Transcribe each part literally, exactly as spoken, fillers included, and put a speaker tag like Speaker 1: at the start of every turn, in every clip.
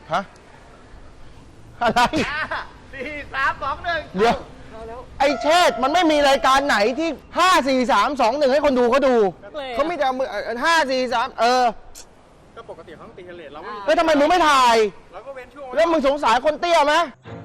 Speaker 1: ฮะอะไร
Speaker 2: สี่สามสองหนึ่ง
Speaker 1: เดี๋ยวไอ้เชษมันไม่มีรายการไหนที่ห้าสี่สามสองหนึ่งให้คนดูเขาดูเขาไม่จะมือห้าสี่สามเออ
Speaker 2: ก็ปกติเขาต้องตีเทเลตเราไม่
Speaker 1: แล้วทำไมมึงไม่ถ่าย
Speaker 2: เราก็เว้นช่วง
Speaker 1: แล้วมึงสงสารคนเตี้ยไหม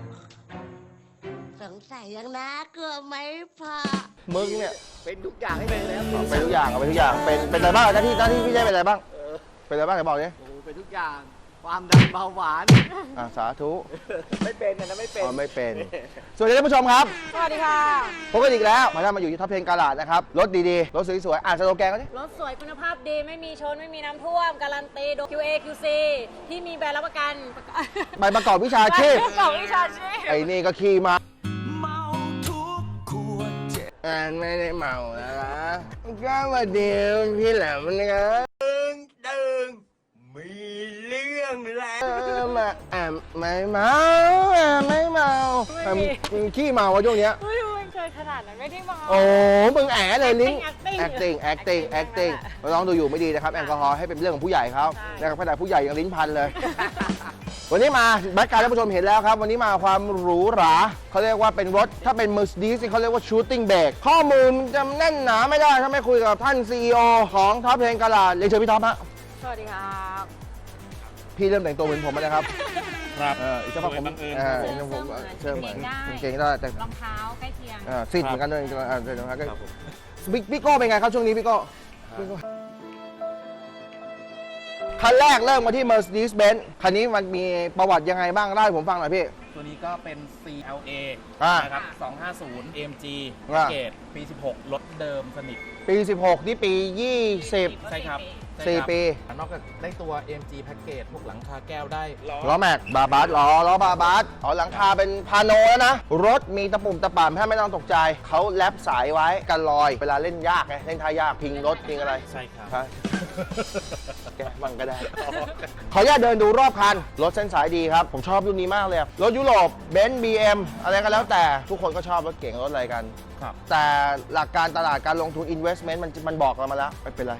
Speaker 3: สงสัยยังนะเกือบไม่พอ
Speaker 1: มึงเนี่ย
Speaker 2: เป็นทุกอย่างให้เป็นแล้ว
Speaker 1: เป็นทุกอย่างเป็นทุกอย่างเป็นเป็นอะไรบ้างหน้าที่หน้าที่พี่เจ๊เป็นอะไรบ้างเป็นอะไรบ้างไหนบอกดิ
Speaker 2: โอ้เป็นทุกอย่างความดันเบาหวาน
Speaker 1: อ่าสาธุ
Speaker 2: ไม่เป็นนะไม่เป็น
Speaker 1: อ๋อไม่เป็นสวัสดีท่านผู้ชมครับ
Speaker 4: สวัสดีค่ะ
Speaker 1: พบกันอีกแล้วมาท่านมาอยู่ที่ท็อปเพนกาลาดนะครับรถดีๆรถสวยๆอ่านสโลแกนก็ดิ
Speaker 4: รถสวยคุณภาพดีไม่มีชนไม่มีน้ำท่วมการันตีโดย คิว เอ คิว ซี ที่มีใบรับประกัน
Speaker 1: ใบประกอบวิชาชีพ
Speaker 4: ใบประกอบวิชาชีพ
Speaker 1: ไอ้นี่ก็ขี่มาเมาทุกขวดอ่านไม่ได้เมาแล้วนะก็มาเดียวพี่แหลมนะครับ
Speaker 2: ดึงดึงมีเรื่องแล้ว
Speaker 1: มาแอมไม่เมาแอมไม่เมามึงขี้เมาวะช่วงเนี้ย
Speaker 4: เฮ้ยมึงเคยขนาดนั้นไม่ได้เมา
Speaker 1: โอ้มึงแอบเลยลิ้น acting acting acting เราลองดูอยู่ไม่ดีนะครับแอลกอฮอล์ให้เป็นเรื่องของผู้ใหญ่เขานะครับขนาดผู้ใหญ่ยังลิ้นพันเลยวันนี้มาแบ็คการ์ท่านผู้ชมเห็นแล้วครับวันนี้มาความหรูหราเขาเรียกว่าเป็นรถถ้าเป็น Mercedes เขาเรียกว่า shooting brake ข้อมูลจะแน่นหนาไม่ได้ถ้าไม่คุยกับท่าน ซี อี โอ ของท็อปเพนกาลาดเรียนเชิญพี่ท็อปฮะ
Speaker 4: สวัสดีครับ
Speaker 1: พี่เริ่มแต่งตัวเหมือนผมแล้วครับ
Speaker 2: ครับ
Speaker 1: เอออีกสักพักผมเออผมเชื่อเหมือนเก่งได้แต่
Speaker 4: รองเท้าใกล้เคียง
Speaker 1: เออซิดเหมือนกันด้วยเออเดี๋ยวนะครับบิ๊กพี่โก้เป็นไงครับช่วงนี้พี่โก้คันแรกเริ่มมาที่ Mercedes-Benz คันนี้มันมีประวัติยังไงบ้างเล่าให้ผมฟังหน่อยพี่
Speaker 5: ตัวนี้ก็เป็น ซี แอล เอ นะครับสองห้าศูนย์ เอ็ม จี เกรดปีสิบหกรถเดิมสนิท
Speaker 1: ปีสิบหกนี่ปียี่สิบ
Speaker 5: ใช่ครับ
Speaker 1: สี่ปี
Speaker 5: นอกจากได้ตัว เอ็ม จี แพ็กเกจพวกหลังคาแก้วได้
Speaker 1: ล้อแม็กบาบาสล้อล้อบาบาสอ๋อหลังคาเป็นพาโนแล้วนะรถมีตะปุ่มตะป่ำแค่ไม่ต้องตกใจเขาแลบสายไว้กันลอยเวลาเล่นยากไงเล่นท่ายากพิงรถพิงอะไร
Speaker 5: ใช่ครับ
Speaker 1: แกบังก็ได้ขออนุญาตเดินดูรอบคันรถเส้นสายดีครับผมชอบรุ่นนี้มากเลยรถยุโรปเบนซ์ บี เอ็ม อะไรก็แล้วแต่ทุกคนก็ชอบรถเก่งรถอะไรกันแต่หลักการตลาดการลงทุน investment มันมันบอกเรามาแล้วไม่เป็นไร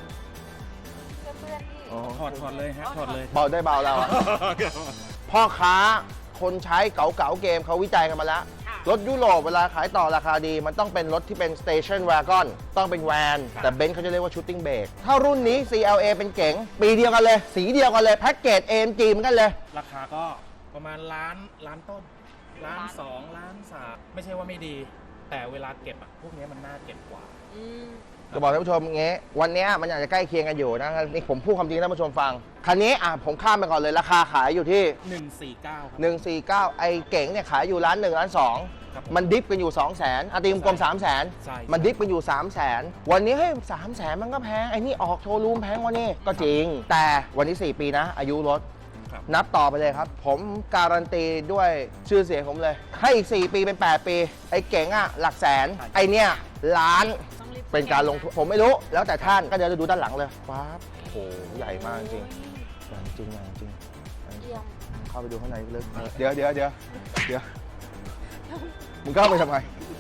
Speaker 5: ถอดถอดเลยฮะถอดเลย
Speaker 1: เบาได้เบาเราพ่อค้าคนใช้เก๋าๆเกมเขาวิจัยกันมาแล้วรถยุโรปเวลาขายต่อราคาดีมันต้องเป็นรถที่เป็น station wagon ต้องเป็นแวนแต่เบนซ์เขาจะเรียกว่า shooting brake ถ้ารุ่นนี้ ซี แอล เอ เป็นเก๋งปีเดียวกันเลยสีเดียวกันเลยแพ็กเกจ เอ็ม จี เหมือนกันเลย
Speaker 5: ราคาก็ประมาณล้านล้านต้นล้านสองล้านสามไม่ใช่ว่าไม่ดีแต่เวลาเก็บอะพวกนี้มันน่าเก็บกว่า
Speaker 1: จะบอกท่านผู้ชมอย่างเงี้ยวันนี้มันอาจจะใกล้เคียงกันอยู่นะนี่ผมพูดความจริงให้ท่านผู้ชมฟังคันนี้อ่ะผมข้ามไปก่อนเลยราคาขายอยู่ที่
Speaker 5: หนึ่งสี่เก้า
Speaker 1: หนึ่งสี่เก้าไอ้เก๋งเนี่ยขายอยู่ล้านหนึ่งล้านสองมันดิฟกันอยู่สองแสนอาตีมกลมสามแสนมันดิฟกันอยู่สามแสนวันนี้เฮ้ยสามแสนมันก็แพงไอ้นี่ออกโชว์รูมแพงวันนี้ก็จริงแต่วันนี้สี่ปีนะอายุรถนับต่อไปเลยครับผมการันตีด้วยชื่อเสียงผมเลยให้อีกสี่ปีเป็นแปดปีไอ้เก๋งอ่ะหลักแสนไอ้เนี่ยล้านเป็นการลงทุนผมไม่รู้แล้วแต่ท่านก็เดี๋ยวจะดูด้านหลังเลยว้าโอ้โหใหญ่มากจริงใหญ่จริงใหญ่จริงเข้าไปดูข้างในเลยเดี๋ยวเดี๋ยวเดี๋ยวเดี๋ยวมึงเข้าไปทำไม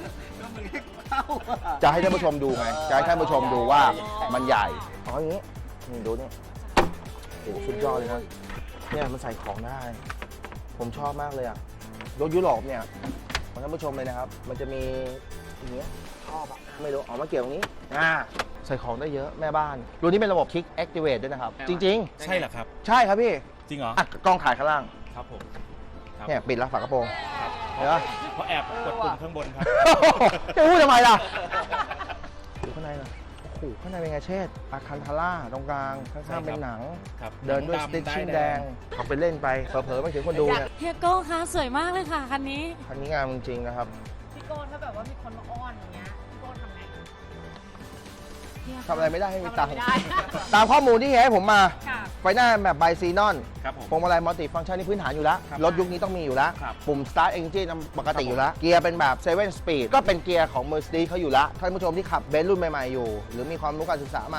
Speaker 1: จะให้ท่านผู้ชมดูไงจะให้ท่านผู้ชมดูว่ามันใหญ่อ๋ออย่างนี้นี่ดูนี่โอ้โหสุดยอดเลยนะเนี่ยมันใส่ของได้ผมชอบมากเลยอ่ะรถยุโรปเนี่ยท่านผู้ชมเลยนะครับมันจะมีอย่างเงี้ยชอบอะไม่รู้ออกมาเกี่ยวตรงนี้อ่าใส่ของได้เยอะแม่บ้านรุ่นนี้เป็นระบบ Kick Activate ด้วยนะครับจริง
Speaker 5: ๆใช่เหรอครับ
Speaker 1: ใช่ครับพี่
Speaker 5: จริงเหรอ
Speaker 1: อ่ะกล้องถ่ายข้างล่าง
Speaker 5: ครับผม
Speaker 1: เนี่ยปิดแล้วฝากระโปรง
Speaker 5: เห็นไหมเพราะแอบกดปุ่มข้างบนครับ
Speaker 1: จะพูดทำไมล่ะดูข้างในล่ะโอ้โหข้างในเป็นไงเชษอาคันทาร่าตรงกลางข้างๆเป็นหนังเดินด้วยสติ๊กชิ่งแดงเขาไปเล่นไปเผลอๆไม่ถึงคนดูเนี่ย
Speaker 4: เฮียโก้คะสวยมากเลยค่ะคันนี้
Speaker 1: คันนี้งามจริงๆนะครับ
Speaker 4: พี่โก้ถ้าแบบว่ามีคนมาอ้อนอย่างเงี้ยพี่โก้ทำไง
Speaker 1: ทำอะไรไม่ได้ให้มีตังค์ตามข้อมูลที่ให้ผมมาไฟหน้าแบบไบซีนอนพวงมาลัยมัลติฟังก์ชันนี่พื้นฐานอยู่แล้วรถยุคนี้ต้องมีอยู่แล้วปุ่ม start engine ปกติอยู่แล้วเกียร์เป็นแบบเซเว่น speed ก็เป็นเกียร์ของ Mercedes เขาอยู่แล้วท่านผู้ชมที่ขับเบนซ์รุ่นใหม่ๆอยู่หรือมีความรู้การศึกษามา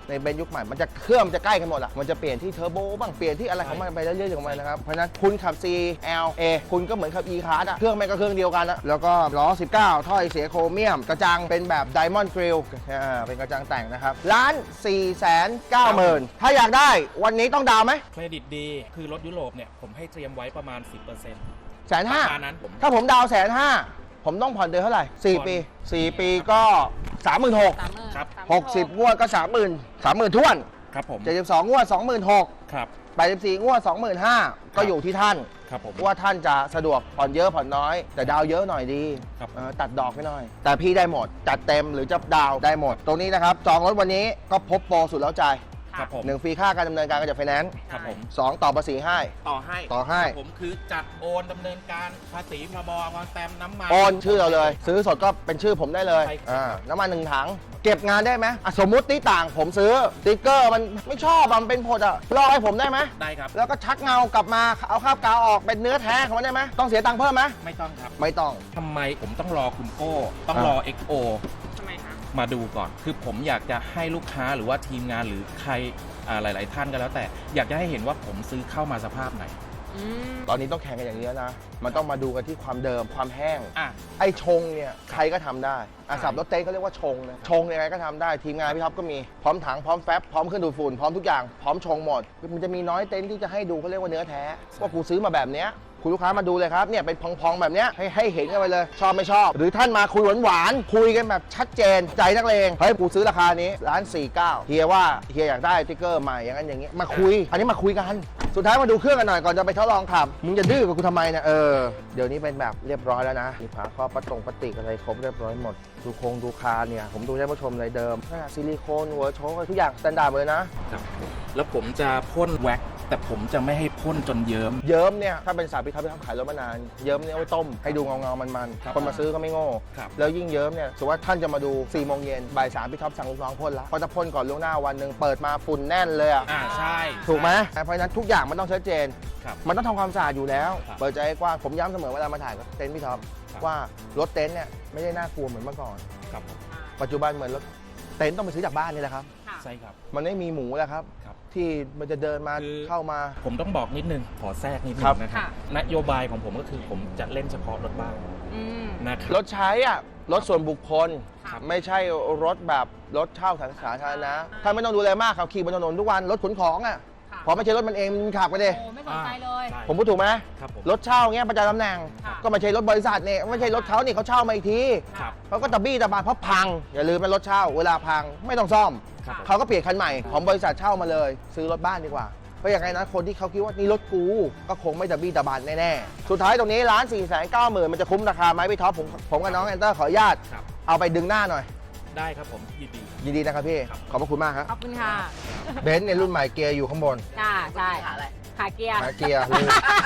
Speaker 1: ในเบนซ์ยุคใหม่มันจะเครื่องมันจะใกล้กันหมดอะมันจะเปลี่ยนที่เทอร์โบบ้างเปลี่ยนที่อะไรของมันไปเรื่อยๆของมันนะครับเพราะฉะนั้นคุณขับ ซี แอล เอ คุณก็เหมือนขับ E Class อะเครื่องแม่งก็เครื่องเดียวกันอะแล้วก็ล้อสิบเก้าถ้อยเสียโครเมียมกระจังเป็นแบบ Diamond Grill อ่าเป็นกระจังแต่งนะครับล้านสี่แสนเก้าหมื่นถ้าอยากได้วันนี้ต้องดาวไหม
Speaker 5: เครดิตดีคือรถยุโรปเนี่ยผมให้เตรียมไว้ประมาณ สิบเปอร์เซ็นต์
Speaker 1: แสนห้า
Speaker 5: ประมาณนั้นผม
Speaker 1: ถ้าผมดาวแสนห้าผมต้องผ่อนเดือนเท่าไหร่สี่ปีสี่ปีก็สามหมื่นหก
Speaker 4: สามหมื่น
Speaker 5: ครับ
Speaker 1: หกสิบงวดก็สามหมื่นสามหมื่นท้วน
Speaker 5: ครับผม
Speaker 1: เจ็ดสิบสองงวดสองหมื่นหก
Speaker 5: ครับ
Speaker 1: แปดสิบสี่งวดสองหมื่นห้าก็อยู่ที่ท่าน
Speaker 5: ครับผม
Speaker 1: ว่าท่านจะสะดวกผ่อนเยอะผ่อนน้อย แต่ดาวเยอะหน่อยดี
Speaker 5: ครับ
Speaker 1: เออตัดดอกไม่หน่อย แต่พี่ได้หมด จัดเต็มหรือจะดาวได้หมด ตรงนี้นะครับ จองรถวันนี้ก็พบโปรสุดแล้วใจ
Speaker 5: ครับผม
Speaker 1: หนึ่งฟรีค่าการดำเนินการกับไฟแนนซ์
Speaker 5: ครับผม
Speaker 1: สองต่อภาษีให้
Speaker 5: ต่อให้
Speaker 1: ต่อให้
Speaker 5: ครับผมคือจัดโอนดำเนินการภาษีพรบวางแต้มน้ำมัน
Speaker 1: โอนชื่อเราเลย ซื้อสดก็เป็นชื่อผมได้เลย
Speaker 5: ใช่ครับ
Speaker 1: อ่าน้ำมันหนึ่งถัง เก็บงานได้ไหมอ่ะสมมุติที่ต่างผมซื้อสติ๊กเกอร์มันไม่ชอบมันเป็นผดอ่ะลอกให้ผมได้ไหม
Speaker 5: ได้ครับ
Speaker 1: แล้วก็ชักเงากลับมาเอาคราบกาวออกเป็นเนื้อแท้ของมันได้ไหมต้องเสียตังค์เพิ่มไหม
Speaker 5: ไม่ต้องครับ
Speaker 1: ไม่ต้อง
Speaker 5: ทำไมผมต้องรอคุณโก้ต้องรอ เอ็กซ์ โอ
Speaker 4: ทำไมคะ
Speaker 5: มาดูก่อน คือผมอยากจะให้ลูกค้าหรือว่าทีมงานหรือใครอ่าหลาย ๆ ท่านก็แล้วแต่ อยากจะให้เห็นว่าผมซื้อเข้ามาสภาพไหน
Speaker 4: อืม
Speaker 1: ตอนนี้ต้องแข่งกันอย่างนี้แล้วนะ มันต้องมาดูกันที่ความเดิมความแห้ง
Speaker 5: อ่ะ
Speaker 1: ไอ้ชงเนี่ยใครก็ทำได้อาสับรถเต้นเขาเรียกว่าชงนะชงยังไงก็ทำได้ทีมงานพี่ท็อปก็มีพร้อมถังพร้อมแฟบพร้อมเครื่องดูดฝุ่นพร้อมทุกอย่างพร้อมชงหมดมันจะมีน้อยเต็นท์ที่จะให้ดูเขาเรียกว่าเนื้อแท้ว่ากูซื้อมาแบบเนี้ยคุณลูกค้ามาดูเลยครับเนี่ยเป็นพองๆแบบเนี้ยให้ให้เห็นกันไปเลย ชอบไม่ชอบ หรือท่านมาคุยหวานๆคุยกันแบบชัดเจนใจนักเลงเฮ้ยกูซื้อราคานี้ร้านสี่สิบเก้าเฮียว่าเฮียอยากได้สติ๊กเกอร์ใหม่อย่างนั้นอย่างนี้มาคุย อันนี้มาคุยกันสุดท้ายมาดูเครื่องกันหน่อยก่อนจะไปทดลองขับมึงจะดื้อกับกูทำไมเนี่ยเออเดี๋ยวนี้เป็นแบบเรียบร้อยแล้วนะมีฝาครอบประตงปฏิกอะไรครบเรียบร้อยหมดดูโครงดูคานเนี่ยผมดูได้ผู้ชมเลยเดิมซิลิโคนหัวโชว์ทุกอย่างสแตนดาร์ดหมดเลยนะ
Speaker 5: ครับแล้วผมจะพ่นแว็กซ์แต่ผมจะไม่ให้พ่นจนเยิ้ม
Speaker 1: เยิ้มเนี่ยถ้าเป็นสายพิทับพิทับขายรถมานานเยิ้มเนี่ยเอาไว้ต้มให้ดูเงาเงาๆมัน
Speaker 5: ครับ
Speaker 1: ๆคนมาซื้อก็ไม่โง่
Speaker 5: ครับ
Speaker 1: แล้วยิ่งเยิ้มเนี่ยสมมติว่าท่านจะมาดูสี่โมงเย็นบ่ายสามพี่ท็อปสั่งลูกน้องพ่นละเพราะจะพ่นก่อนล่วงหน้าวันหนึ่งเปิดมาฝุ่นแน่นเลยอ่ะ
Speaker 5: อ่าใช่
Speaker 1: ถูกไหมเพราะฉะนั้นทุกอย่างมันต้องชัดเจน
Speaker 5: ครับ
Speaker 1: มันต้องทำความสะอาดอยู่แล้ว
Speaker 5: ครับ
Speaker 1: เปิดใจให้กว้างผมย้ำเสมอเวลามาถ่ายกับเต็นท์พี่ท็อป
Speaker 5: ครับ
Speaker 1: ว่ารถเต็นท์เนี่ยไม่ได้น่ากลัวเหมือนเมื่อก่อน
Speaker 5: ครับผม
Speaker 1: ปัจจุบันเหมือนรถเต็นท์ต้องไปซื้อจากบ้านนี่แหละครับ
Speaker 4: ค่ะ
Speaker 5: ใช่ครับ
Speaker 1: มันไม่มีหมูแล้วครับ
Speaker 5: ครับ
Speaker 1: ที่มันจะเดินมา
Speaker 5: คือ
Speaker 1: เข้ามา
Speaker 5: ผมต้องบอกนิดนึง ขอแทรกนิดนึ
Speaker 1: ครับ
Speaker 5: งนะครับ
Speaker 4: ค่ะ
Speaker 5: นโยบายของผมก็คือผมจะเล่นเฉพาะรถบ้าน
Speaker 4: อืม
Speaker 5: นะครับ
Speaker 1: รถใช้อ่ะรถส่วนบุคคล
Speaker 4: ครับ
Speaker 1: ไม่ใช่รถแบบรถเช่าสาธารณะถ้าไม่ต้องดูแลมากขับขี่บนถนนทุกวันรถขนของอ่ะ
Speaker 4: ค่ะ
Speaker 1: พอไม่ใช่รถมันเองมันขับไปดิ
Speaker 4: โอ้ไม่สนใจเลย
Speaker 5: ใช่
Speaker 1: ผมพูดถูกไหม
Speaker 5: ครับผม
Speaker 1: รถเช่าเงี้ยประจำตำแหน่ง
Speaker 4: ค่ะ
Speaker 1: ก็ไม่ใช่รถบริษัทเนี่ยไม่ใช่รถเขานี่เขาเช่ามาอีกที
Speaker 5: ครับ
Speaker 1: เขาก็ตะบี้ตะบานเพราะพังอย่าลืมเป็นรถเช่าเวลาพังไม่ต้องซ่อม
Speaker 5: ครับผม
Speaker 1: เขาก็เปลี่ยนคันใหม่ของบริษัทเช่ามาเลย ซื้อรถบ้านดีกว่าเพราะอย่างไรนะคนที่เขาคิดว่านี่รถกูก็คงไม่ตะบี้ตะบานแน่ๆสุดท้ายตรงนี้ร้านสี่แสนเก้าหมื่นมันจะคุ้มราคาไหมพี่ท็อปผมผมกับน้องแอนเตอร์ขออนุญาต
Speaker 5: ครับ
Speaker 1: เอาไปดึงหน้าหน่อย
Speaker 5: ได้ครับผมยินดี
Speaker 1: ยินดีนะครับพี่
Speaker 5: ครับ
Speaker 1: ขอบพระคุณมากครับ
Speaker 4: ขอบคุณค่ะ
Speaker 1: เบนซ์ในรุ่นใหม่เกียร์อยู่ข้างบน
Speaker 4: จ้าใช่ขาเกียร์
Speaker 1: หาเกียร์ลืม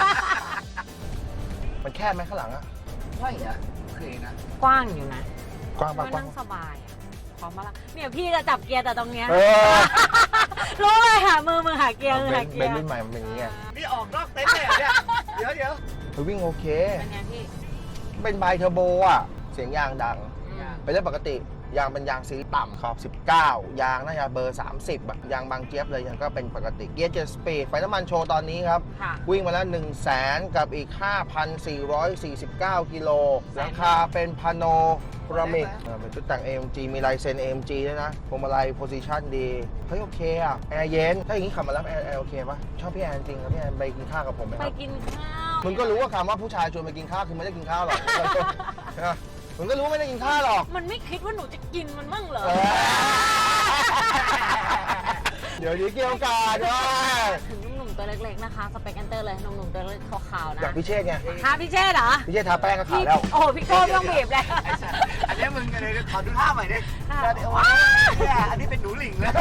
Speaker 1: มันแคบไหมข้างหลังอะ
Speaker 4: กว้างอยู่นะ
Speaker 1: กว้างปะ
Speaker 4: ก็
Speaker 1: กว้า
Speaker 4: นั่
Speaker 1: ง
Speaker 4: งสบายอะพร้อมมาละเนี่ยพี่จะจับเกียร์แต่ตรงเนี้ย
Speaker 1: เออ
Speaker 4: รู้เลยค่ะมือมือหาเกียร์มือ
Speaker 1: เบ
Speaker 4: หาน
Speaker 1: ซ์
Speaker 4: เกี
Speaker 1: เบ
Speaker 4: ย
Speaker 1: น
Speaker 4: ร์
Speaker 1: ซ์รุ่นใหม่มันเป็นอย่างนี้ไง
Speaker 2: นี่ออกนอกเต็นท์เลยเหรอเนี่ย เดี๋ยวเดี๋ยว
Speaker 1: เฮ้ยวิ่งโอเค
Speaker 4: เป็นไงพี่
Speaker 1: เป็นไบเทอร์โบอ่ะ เสียงยางดัง
Speaker 4: อืม
Speaker 1: เป็นเรื่องปกติ ยางเป็นยางสีต่ำขอบสิบเก้า ยางน่าจะเบอร์ สามสิบอะยางบางเจี๊ยบเลยยังก็เป็นปกติ เกียร์เจ็ดสปีด ไฟน้ำมันโชว์ตอนนี้ครับ
Speaker 4: ค่ะ
Speaker 1: วิ่งมาแล้ว หนึ่งแสน กับอีก ห้าพันสี่ร้อยสี่สิบเก้า กิโลหลังคาเป็นพาโนรามิกเออเป็นชุดแต่ง เอ เอ็ม จี มีลายเซ็น เอ เอ็ม จี ด้วยนะพวงมาลัยโพซิชันดี เฮ้ยโอเคอะแอร์เย็น ถ้าอย่างนี้ขับมาแล้วแอร์แอร์โอเคปะชอบพี่แอนจริงครับพี่แอนไปกินข้าวกับผมไหม
Speaker 4: ไป
Speaker 1: ครับ
Speaker 4: กินข้าว
Speaker 1: มึงก็รู้ว่าคำว่าผู้ชายชวนไปกินข้าวคือไม่ได้กินข้าวหรอก ใช่ปะมึงก็รู้ว่าไม่ได้กินข้าวหรอก
Speaker 4: มันไม่คิดว่าหนูจะกินมันมั่งเหรอ
Speaker 1: เออเดี๋ยวนี้เกี่ยวกาดด้วย
Speaker 4: ถึงหนุ่มๆตัวเล็กๆนะคะ สเปคแอนเตอร์เลยหนุ่มๆตัวเล็กขาวๆนะ
Speaker 1: จากพี่เชษไง
Speaker 4: ค่ะพี่เชษเหรอ
Speaker 1: พี่เชษทาแป้งก็ขา
Speaker 4: พี่
Speaker 1: วแล้ว
Speaker 4: โอ้โหพี่โก้ไม่ต้องบีบเลย
Speaker 2: อันนี้มึงอะไรขอดูท่าใหม่ดิ
Speaker 4: ค่ะ
Speaker 2: เดี๋ยวว่าเนี่ยอันนี้เป็นหนูหลิงเลย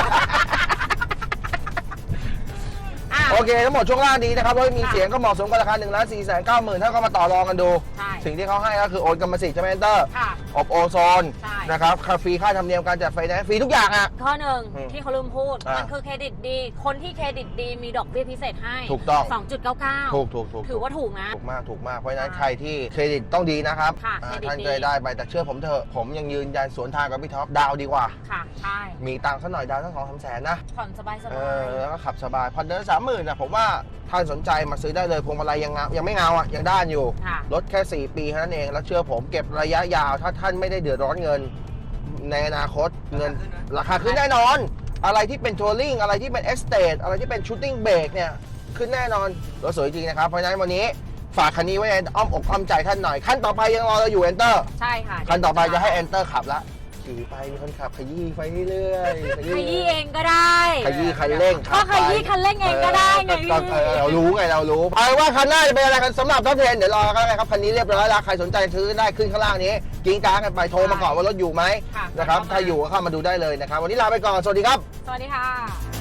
Speaker 4: อ่ะ
Speaker 1: โอเค ทั้งหมดช่วงล่างดีนะครับรถมีเสียงก็เหมาะสมกับราคาหนึ่งล้านสี่แสนเก้าหมื่นถ้าก็มาต่อรองกันดู
Speaker 4: ใช่
Speaker 1: สิ่งที่เขาให้ก็คือโอนกรรมสิทธิ์ใช่ไหมเอนเตอร์
Speaker 4: ค่ะ
Speaker 1: อบโอโซน
Speaker 4: ใช่
Speaker 1: นะครับค่าฟรีค่าธรรมเนียมการจัดไฟแนนซ์ฟรีทุกอย่างอ่ะ
Speaker 4: ข้อหนึ่ง
Speaker 1: อืม
Speaker 4: ที่เขาลืมพูด
Speaker 1: อ่ะ
Speaker 4: มันคือเครดิตดี คนที่เครดิตดีมีดอกเบี้ยพิเศษให้
Speaker 1: ถูกต้อง
Speaker 4: สองจุดเก้าเก้า
Speaker 1: ถูกถูกถูก
Speaker 4: ถือว่าถูกนะ
Speaker 1: ถูกมากถูกมากเพราะฉะนั้น
Speaker 4: ค่ะ
Speaker 1: ใครที่เครดิตต้องดีนะครับ
Speaker 4: ค่ะ
Speaker 1: อ่า
Speaker 4: เครดิต
Speaker 1: ท่าน
Speaker 4: ดี
Speaker 1: เคยได้ไปแต่เชื่อผมเถอะผมยังยืนยันสวนทางกับพี่ท็อปดาวดีกว่า
Speaker 4: ค่ะ ใช่
Speaker 1: มีตังค์สักหน่อยดาวทั้งสองสามแสนนะ
Speaker 4: ผ่อนสบายส
Speaker 1: เอบ
Speaker 4: า
Speaker 1: อย แล้วก็ขับสบายผ่อนเดือนสามหมื่นนะผมว่าท่านสนใจมาซื้อได้เลยพวงมาลัยยังเงายังไม่เงาอ่ะยังด้านอยู่
Speaker 4: ค่ะ
Speaker 1: รถแค่สี่ปีเท่านั้นเองแล้วเชื่อผมเก็บระยะยาวถ้าท่านไม่ได้เดือดร้อนเงิน ในอนาคตเงินราคาขึ้นแน่นอน อะไรที่เป็นทัวริงอะไรที่เป็นเอสเตทอะไรที่เป็นชูตติ้งเบรกเนี่ยขึ้นแน่นอนรถสวยจริงนะครับเพราะฉะนั้นวันนี้ฝากคันนี้ไว้ในอ้อมอกอ้อมใจท่านหน่อยขั้นต่อไปยังรอเราอยู่ Enter
Speaker 4: ใช่ค่ะ
Speaker 1: คันต่อไปจะให้ Enter ขับละขี่ไปมีคนขับขยี้ไปเรื่อยๆ
Speaker 4: ขยี้เองก็ได้
Speaker 1: ขยี้คันเร่ง
Speaker 4: ก็ขยี้คันเร่งเองก็ได้ไง
Speaker 1: เออก็เออเรารู้ไงเรารู้เอาเป็นว่าคันหน้าจะเป็นอะไรกันสำหรับท็อปเทนเดี๋ยวรอกันเลยครับคันนี้เรียบร้อยแล้วใครสนใจซื้อได้ขึ้นข้างล่างนี้กิ้งก้างกันไปโทรมาก่อนว่ารถอยู่ไหม
Speaker 4: ค่ะ
Speaker 1: นะครับถ้าอยู่ก็เข้ามาดูได้เลยนะครับวันนี้ลาไปก่อนสวัสดีครับ
Speaker 4: สวัสดีค่ะ